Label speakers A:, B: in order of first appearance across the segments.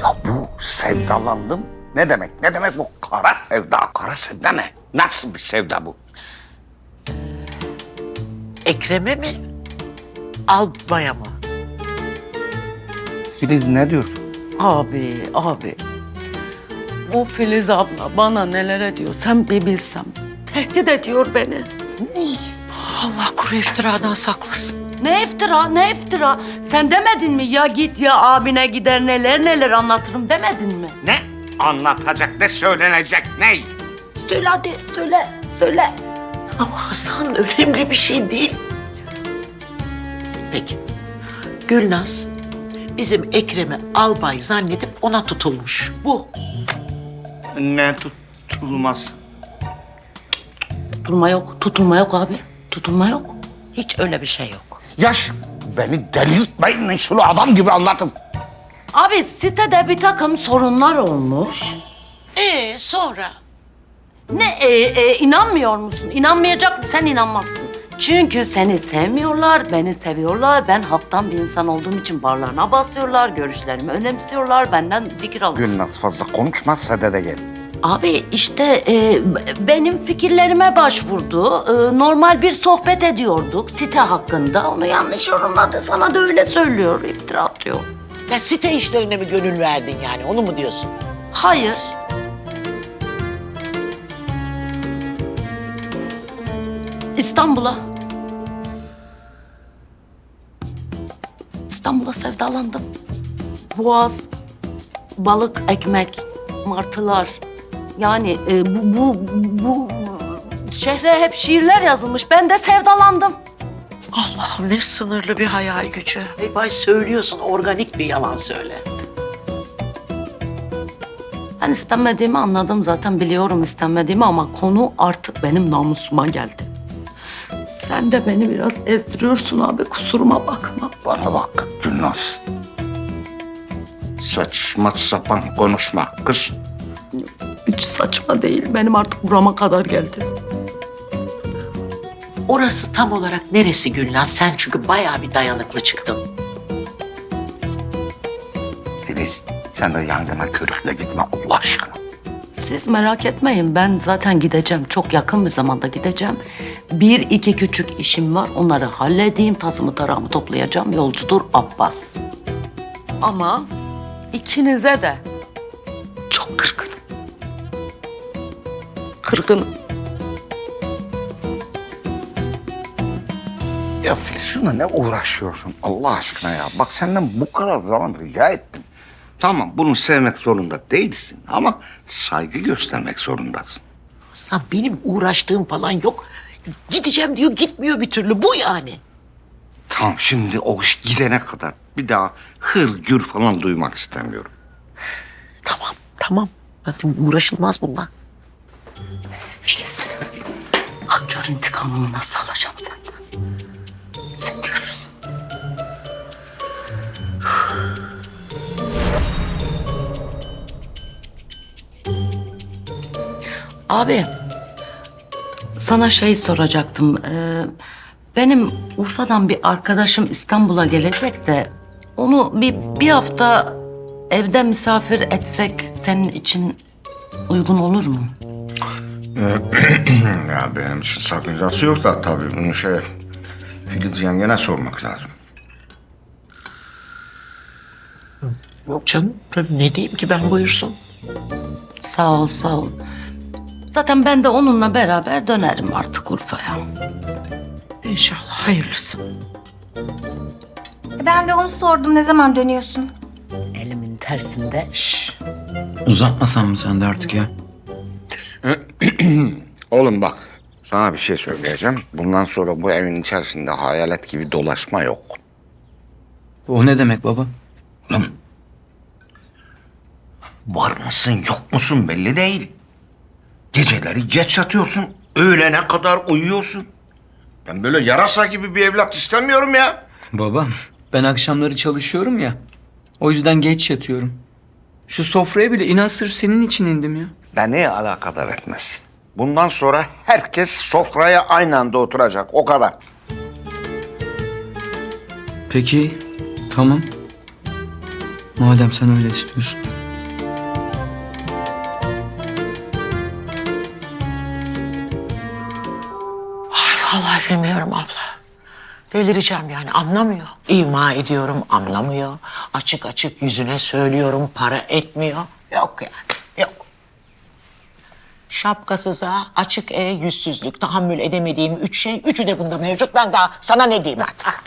A: Ya bu sevdalandım ne demek? Ne demek bu kara sevda? Kara sevda ne? Nasıl bir sevda bu?
B: Ekrem'e mi? Albaya mı?
A: Filiz ne diyorsun?
C: Abi. Bu Filiz abla bana neler ediyor sen bir bilsem. Tehdit ediyor beni.
B: Allah kuru iftiradan saklasın.
C: Ne iftira? Sen demedin mi ya git ya abine gider neler anlatırım demedin mi?
A: Ne? Anlatacak, ne söylenecek, ne?
C: Söyle hadi söyle.
B: Ama Hasan önemli bir şey değil. Peki. Gülnaz bizim Ekrem'i albay zannedip ona tutulmuş. Bu.
A: Ne tutulmaz?
C: Tutulma yok abi. Tutulma yok. Hiç öyle bir şey yok.
A: Yaş, beni delirtmeyin lan, şunu adam gibi anlatın.
C: Abi sitede bir takım sorunlar olmuş.
B: Sonra?
C: İnanmıyor musun? İnanmayacak mısın? Sen inanmazsın. Çünkü seni sevmiyorlar, beni seviyorlar. Ben halktan bir insan olduğum için barlarına basıyorlar, görüşlerimi önemsiyorlar, benden fikir alıyorlar.
A: Gülnaz fazla konuşma, sadede gel.
C: Abi işte benim fikirlerime başvurdu. Normal bir sohbet ediyorduk site hakkında. Onu yanlış yorumladı. Sana da öyle söylüyor, iftira atıyor.
B: Ya site işlerine mi gönül verdin yani onu mu diyorsun?
C: Hayır. İstanbul'a sevdalandım. Boğaz, balık, ekmek, martılar. Yani bu şehre hep şiirler yazılmış. Ben de sevdalandım.
B: Allah'ım ne sınırlı bir hayal gücü. Bay söylüyorsun organik bir yalan söyle.
C: Ben istenmediğimi anladım zaten biliyorum istenmediğimi ama konu artık benim namusuma geldi. Sen de beni biraz ezdiriyorsun abi kusuruma bakma.
A: Bana bak Gülnaz. Saçma sapan konuşma kız.
C: Hiç saçma değil benim artık burama kadar geldi.
B: Orası tam olarak neresi Gülnaz? Sen çünkü bayağı bir dayanıklı çıktın.
A: Filiz, sen de yangına körükle gitme Allah aşkına.
C: Siz merak etmeyin ben zaten gideceğim. Çok yakın bir zamanda gideceğim. Bir iki küçük işim var onları halledeyim. Tazımı tarağımı toplayacağım. Yolcudur Abbas. Ama ikinize de çok kırgınım. Kırgınım.
A: Ya Filiz şuna ne uğraşıyorsun Allah aşkına ya? Bak senden bu kadar zaman rica ettim. Tamam bunu sevmek zorunda değilsin ama saygı göstermek zorundasın.
B: Hasan benim uğraştığım falan yok. Gideceğim diyor gitmiyor bir türlü bu yani.
A: Tamam şimdi o iş gidene kadar bir daha hır gür falan duymak istemiyorum.
B: Tamam. Zaten uğraşılmaz bundan.
C: Filiz. Aktör intikamımı nasıl alacağım senden? Sen görürsün. Abi, sana şey soracaktım. Benim Urfa'dan bir arkadaşım İstanbul'a gelecek de... ...onu bir hafta evde misafir etsek senin için uygun olur mu?
A: Ya benim için sakıncası yok da tabii bunu Filiz yengene sormak lazım.
B: Yok canım ne diyeyim ki ben buyursun.
C: Sağ ol. Zaten ben de onunla beraber dönerim artık Urfa'ya.
B: İnşallah hayırlısı.
D: Ben de onu sordum. Ne zaman dönüyorsun?
C: Elimin tersinde.
E: Uzatmasan mı sen de artık ya?
A: Oğlum bak sana bir şey söyleyeceğim. Bundan sonra bu evin içerisinde hayalet gibi dolaşma yok.
E: O ne demek baba?
A: Oğlum var mısın yok musun belli değil. Geceleri geç yatıyorsun. Öğlene kadar uyuyorsun. Ben böyle yarasa gibi bir evlat istemiyorum ya.
E: Babam, ben akşamları çalışıyorum ya. O yüzden geç yatıyorum. Şu sofraya bile inan sırf senin için indim ya.
A: Beni alakadar etmez. Bundan sonra herkes sofraya aynı anda oturacak. O kadar.
E: Peki, tamam. Madem sen öyle istiyorsun.
B: Delireceğim yani, anlamıyor. İma ediyorum, anlamıyor. Açık açık yüzüne söylüyorum, para etmiyor. Yok yani, yok. Şapkasıza, açık yüzsüzlük, tahammül edemediğim 3 şey, üçü de bunda mevcut. Ben daha sana ne diyeyim artık?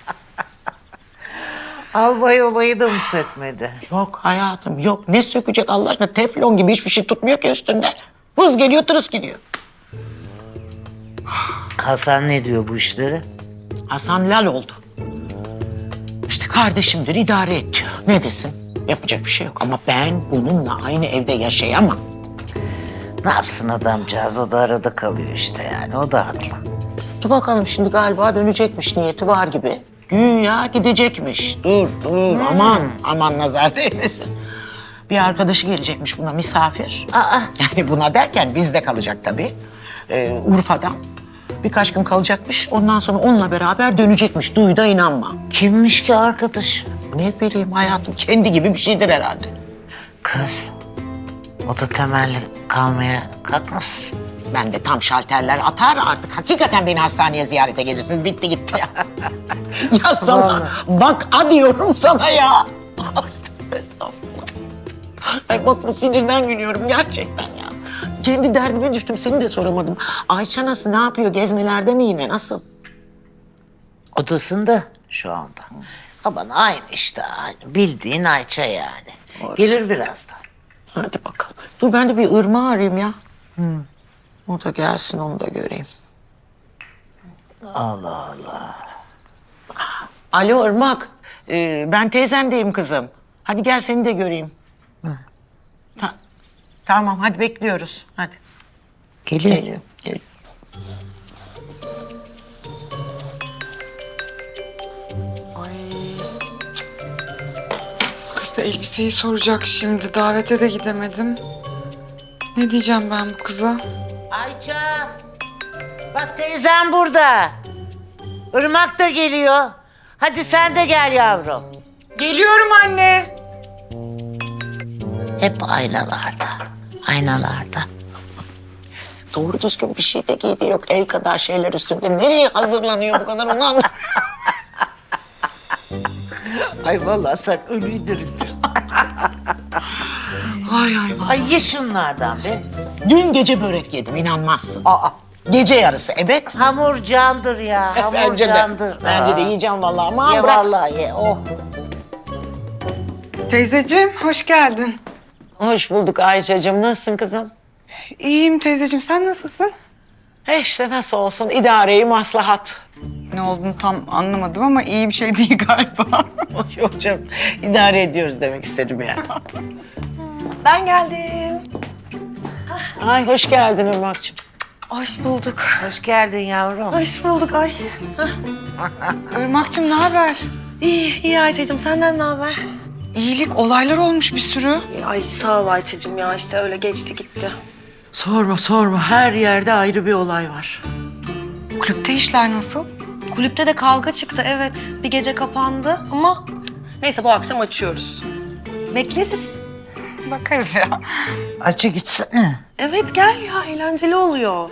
F: Albay olayı da mı sökmedi?
B: Yok hayatım, yok. Ne sökecek Allah aşkına? Teflon gibi hiçbir şey tutmuyor ki üstünde. Vız geliyor, tırıs gidiyor.
F: Hasan ne diyor bu işlere?
B: Hasan lal oldu. İşte kardeşimdir, idare et diyor. Ne desin? Yapacak bir şey yok. Ama ben bununla aynı evde yaşayamam.
F: Ne yapsın adamcağız? O da arada kalıyor işte yani. O da haklı.
B: Dur bakalım, şimdi galiba dönecekmiş, niyeti var gibi. Güya gidecekmiş. Dur, aman nazar değmesin. Bir arkadaşı gelecekmiş buna misafir. Yani buna derken bizde kalacak tabii. Urfa'dan. Birkaç gün kalacakmış. Ondan sonra onunla beraber dönecekmiş. Duy da inanma.
F: Kimmiş ki arkadaş?
B: Ne bileyim hayatım, kendi gibi bir şeydir herhalde.
F: Kız. O da temelli kalmaya kalkmasın.
B: Ben de tam şalterler atar artık. Hakikaten beni hastaneye ziyarete gelirsiniz. Bitti gitti ya. Ya sana bak, diyorum sana ya. Estağfurullah. Ay bak, bu sinirden gülüyorum gerçekten ya. Kendi derdime düştüm, seni de soramadım. Ayça nasıl, ne yapıyor? Gezmelerde mi yine, nasıl?
F: Odasında şu anda. Aman aynı işte aynı. Bildiğin Ayça yani. Gelir birazdan.
B: Hadi bakalım. Dur ben de bir Irmak'ı arayayım ya. O da gelsin, onu da göreyim.
F: Allah Allah.
B: Alo Irmak, ben teyzendeyim kızım. Hadi gel seni de göreyim. Tamam, hadi bekliyoruz. Hadi.
F: Geliyor.
B: Geliyor.
G: Kız da elbiseyi soracak şimdi. Davete de gidemedim. Ne diyeceğim ben bu kıza?
F: Ayça. Bak teyzem burada. Irmak da geliyor. Hadi sen de gel yavrum.
G: Geliyorum anne.
F: Hep aynalarda. Aynalarda.
B: Doğru düzgün bir şey de giydiği yok. El kadar şeyler üstünde. Nereye hazırlanıyor bu kadar, onu anlamadım.
F: Ay vallahi sen ölüyü diriltirsin.
B: Ay.
F: Ay ye şunlardan be.
B: Dün gece börek yedim, inanmazsın. Gece yarısı, evet.
F: Hamur candır ya. Hamur
B: Bence de.
F: candır.
B: Bence de
F: Aa.
B: yiyeceğim vallahi. Ama
F: Ye
B: bırak.
F: vallahi ye. Oh.
G: Teyzeciğim hoş geldin.
B: Hoş bulduk Ayşe'cim. Nasılsın kızım?
G: İyiyim teyzeciğim, sen nasılsın?
B: İşte nasıl olsun, idareyi maslahat.
G: Ne olduğunu tam anlamadım ama iyi bir şey değil galiba.
B: Yok canım, idare ediyoruz demek istedim yani.
H: Ben geldim.
B: Ay hoş geldin Irmak'cığım.
H: Hoş bulduk.
F: Hoş geldin yavrum.
H: Hoş bulduk ay.
G: Irmak'cığım ne haber?
H: İyi Ayça'cığım, senden ne haber?
G: İyilik, olaylar olmuş bir sürü.
H: Ay sağ ol Ayça'cığım ya, işte öyle geçti gitti.
B: Sorma. Her yerde ayrı bir olay var.
G: Kulüpte işler nasıl?
H: Kulüpte de kavga çıktı, evet. Bir gece kapandı ama neyse, bu akşam açıyoruz. Bekleriz.
G: Bakarız ya.
F: Açı gitsene.
H: Evet gel ya, eğlenceli oluyor.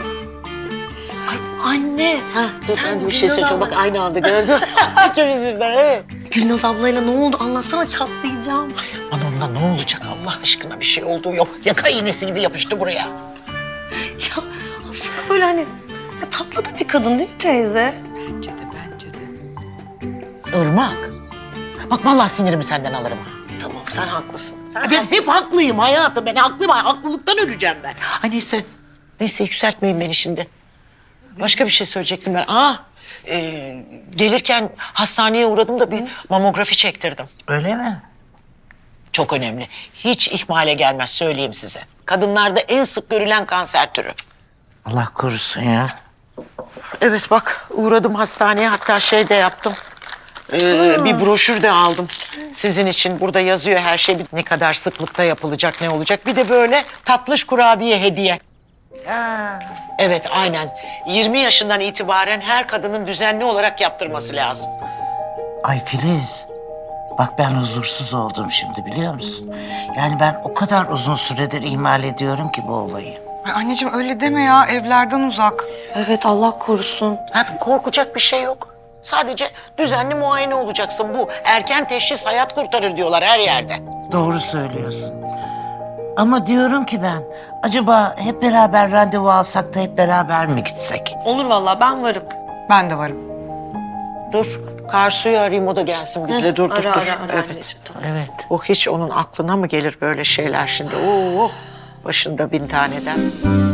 H: Ay anne,
B: Ben de bir şey söyleyeceğim, bak aynı anda gördün. İkimiz birden, evet.
H: Gülnaz ablayla ne oldu? Anlatsana, çatlayacağım.
B: Aman onunla ne olacak Allah aşkına, bir şey olduğu yok. Yaka iğnesi gibi yapıştı buraya.
H: Ya aslında böyle hani tatlı da bir kadın değil mi teyze?
G: Bence de.
B: Irmak. Bak vallahi sinirimi senden alırım ha.
H: Tamam, sen haklısın.
B: Ben hep haklıyım hayatım. Ben haklıyım. Haklılıktan öleceğim ben. Ay neyse. Neyse, yükseltmeyin beni şimdi. Başka bir şey söyleyecektim ben. Gelirken hastaneye uğradım da bir mamografi çektirdim.
F: Öyle mi?
B: Çok önemli. Hiç ihmale gelmez, söyleyeyim size. Kadınlarda en sık görülen kanser türü.
F: Allah korusun ya.
B: Evet bak, uğradım hastaneye, hatta şey de yaptım. Bir broşür de aldım. Sizin için burada yazıyor her şey. Ne kadar sıklıkta yapılacak, ne olacak. Bir de böyle tatlış kurabiye hediye. Evet aynen. 20 yaşından itibaren her kadının düzenli olarak yaptırması lazım.
F: Ay Filiz. Bak ben huzursuz oldum şimdi biliyor musun? Yani ben o kadar uzun süredir ihmal ediyorum ki bu olayı.
G: Ay anneciğim öyle deme ya, evlerden uzak.
H: Evet, Allah korusun.
B: Hayatım, korkacak bir şey yok. Sadece düzenli muayene olacaksın. Bu erken teşhis hayat kurtarır diyorlar her yerde.
F: Doğru söylüyorsun. Ama diyorum ki ben, acaba hep beraber randevu alsak da hep beraber mi gitsek?
H: Olur vallahi, ben varım.
G: Ben de varım.
B: Dur, Karsu'yu arayayım, o da gelsin bizle. Dur,
H: Ara
B: dur.
H: ara
B: Evet.
H: anneciğim, tamam.
B: Evet. O hiç onun aklına mı gelir böyle şeyler şimdi? Oo, başında 1000 taneden.